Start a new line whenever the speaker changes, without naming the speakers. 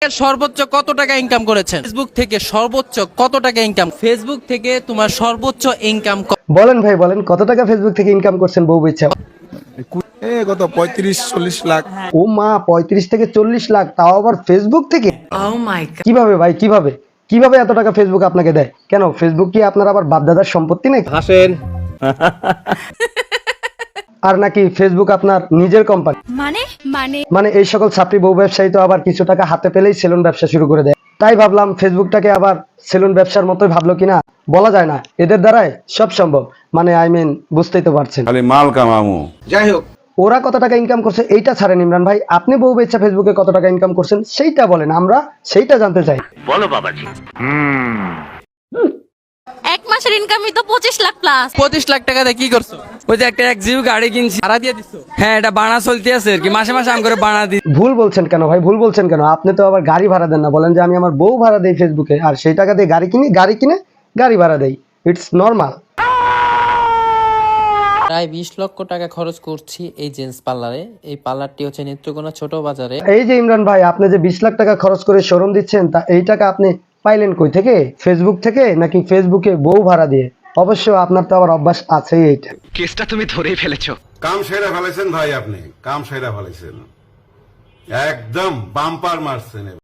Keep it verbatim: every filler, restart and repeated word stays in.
সর্বোচ্চ কত টাকা ইনকাম করেছেন? ফেসবুক থেকে সর্বোচ্চ কত টাকা ইনকাম? ফেসবুক থেকে তোমার সর্বোচ্চ ইনকাম
বলেন ভাই বলেন, কত টাকা ফেসবুক থেকে ইনকাম করছেন বউ ইচ্ছা?
এ কত পঁয়ত্রিশ চল্লিশ লাখ।
ও মা, পঁয়ত্রিশ থেকে চল্লিশ লাখ, তাও আবার ফেসবুক থেকে? কিভাবে ভাই, কিভাবে কিভাবে এত টাকা ফেসবুক আপনাকে দেয়? কেন ফেসবুক কি আপনার আবার বাপদাদার সম্পত্তি নাকি?
হাসেন।
আর নাকি ফেসবুক আপনার নিজের কোম্পানি?
মানে মানে
মানে এই সকল ছাত্রী বউ ব্যবসায়ী তো আবার কিছু টাকা হাতে পেলেই সেলুন ব্যবসা শুরু করে দেয়। তাই ভাবলাম ফেসবুকটাকে আবার সেলুন ব্যবসার মতোই ভাবলো কিনা, বলা যায় না, এদের দ্বারাই সব সম্ভব। মানে আই মিন বুঝতেই তো পারছেন।
খালি মাল কামামু।
যাই হোক,
ওরা কত টাকা ইনকাম করছে এইটা ছাড়েন ইমরান ভাই, আপনি বউ বেচা ফেসবুকে কত টাকা ইনকাম করছেন সেইটা বলেন, আমরা সেইটা জানতে চাই।
এক মাসের ইনকামই তো পঁচিশ লাখ প্লাস।
পঁচিশ লাখ টাকা দিয়ে কি করছো?
ওই যে একটা এক জিও গাড়ি কিনছি,
ভাড়া দিয়ে দিছো?
হ্যাঁ এটা বানা চলতে আছে আর কি, মাসে মাসে আম করে বানা দিই।
ভুল বলছেন কেন ভাই, ভুল বলছেন কেন? আপনি তো আবার গাড়ি ভাড়া দেন না, বলেন যে আমি আমার বউ ভাড়া দেই ফেসবুকে, আর সেই টাকা দিয়ে গাড়ি কিনি, গাড়ি কিনে গাড়ি ভাড়া দেই। It's normal.
প্রায় বিশ লক্ষ টাকা খরচ করছি এই জেন্টস পার্লারে। এই পার্লারটি হচ্ছে নেত্রকোনা ছোট বাজারে।
এই যে ইমরান ভাই, আপনি যে বিশ লাখ টাকা খরচ করে শোরুম দিচ্ছেন, তা এই টাকা আপনি পাইলেন কই থেকে? ফেসবুক থেকে নাকি ফেসবুকে বউ ভাড়া দিয়ে? অবশ্য আপনার তো আবার অভ্যাস আছেই এইটা।
কেসটা তুমি ধরেই ফেলেছো।
কাম সেরা ফেলেছেন ভাই, আপনি কাম সেরা ফেলেছেন, একদম বাম্পার মারছেন।